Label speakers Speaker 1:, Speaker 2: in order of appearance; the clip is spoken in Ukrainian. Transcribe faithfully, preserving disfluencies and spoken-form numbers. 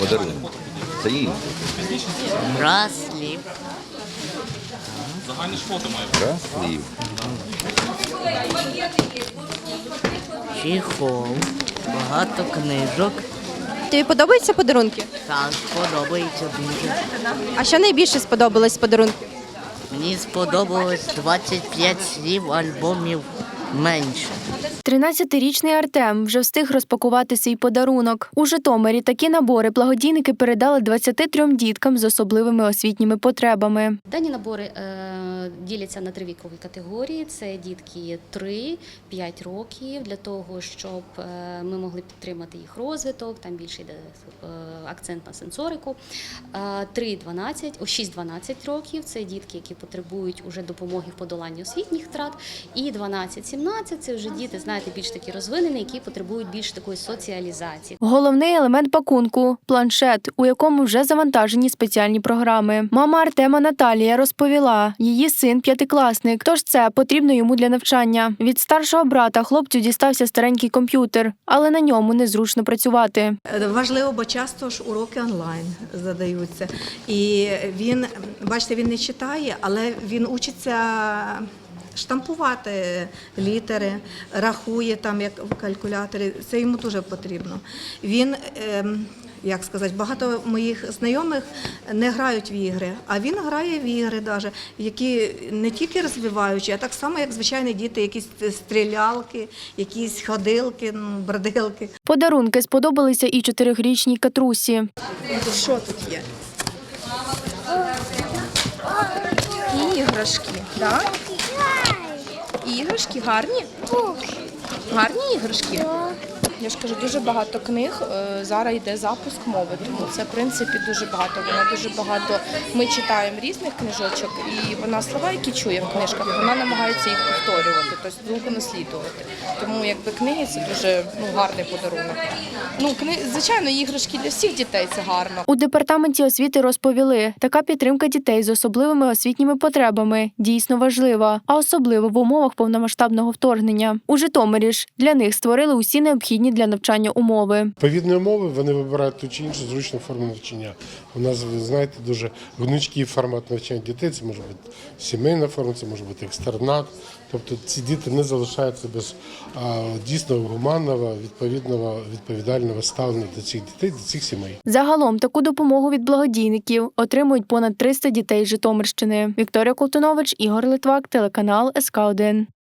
Speaker 1: подарунок. Це інше.
Speaker 2: Браслів.
Speaker 1: Браслів.
Speaker 2: Чехол. Багато книжок.
Speaker 3: Тобі подобаються подарунки?
Speaker 2: Так, подобається дуже.
Speaker 3: А що найбільше сподобалось з подарунків?
Speaker 2: Мені сподобалось двадцять п'ять слів альбомів менше.
Speaker 4: тринадцятирічний Артем вже встиг розпакувати свій подарунок. У Житомирі такі набори благодійники передали двадцяти трьом діткам з особливими освітніми потребами.
Speaker 5: Дані набори е, діляться на три вікові категорії. Це дітки три-п'ять років, для того, щоб е, ми могли підтримати їх розвиток, там більше йде е, акцент на сенсорику. Е, три-дванадцять, о, шість-дванадцять років – це дітки, які потребують уже допомоги в подоланні освітніх втрат. І дванадцять-сімнадцять – це вже діти, знаєте, більш такі розвинені, які потребують більш такої соціалізації.
Speaker 4: Головний елемент пакунку – планшет, у якому вже завантажені спеціальні програми. Мама Артема Наталія розповіла, її син п'ятикласник, тож це потрібно йому для навчання. Від старшого брата хлопцю дістався старенький комп'ютер, але на ньому незручно працювати.
Speaker 6: Важливо, бо часто ж уроки онлайн задаються. І він, бачите, він не читає, але він учиться штампувати літери, рахує там, як в калькуляторі. Це йому дуже потрібно. Він, як сказати, багато моїх знайомих не грають в ігри, а він грає в ігри, даже, які не тільки розвиваючі, а так само, як звичайні діти, якісь стрілялки, якісь ходилки, бродилки.
Speaker 4: Подарунки сподобалися і чотирирічній Катрусі.
Speaker 7: Що тут є? Іграшки, так? Іграшки гарні? Гарні іграшки? Я ж кажу, дуже багато книг. Зараз йде запуск мови, тому це, в принципі, дуже багато. Вона дуже багато. Ми читаємо різних книжочок, і вона слова, які чує в книжках, вона намагається їх повторювати, тобто звуку наслідувати. Тому якби книги це дуже ну, гарний подарунок. Ну, кни... Звичайно, іграшки для всіх дітей це гарно.
Speaker 4: У департаменті освіти розповіли, така підтримка дітей з особливими освітніми потребами дійсно важлива, а особливо в умовах повномасштабного вторгнення. У Житомирі ж для них створили усі необхідні для навчання умови.
Speaker 8: Відповідні умови вони вибирають ту чи іншу зручну форму навчання. У нас, ви знаєте, дуже гнучкий формат навчання дітей. Це може бути сімейна форма, це може бути екстернат. Тобто ці діти не залишаються без а, дійсно гуманного, відповідного, відповідального ставлення до цих дітей, до цих сімей.
Speaker 4: Загалом таку допомогу від благодійників отримують понад триста дітей з Житомирщини. Вікторія Колтунович, Ігор Литвак, телеканал ес ка один.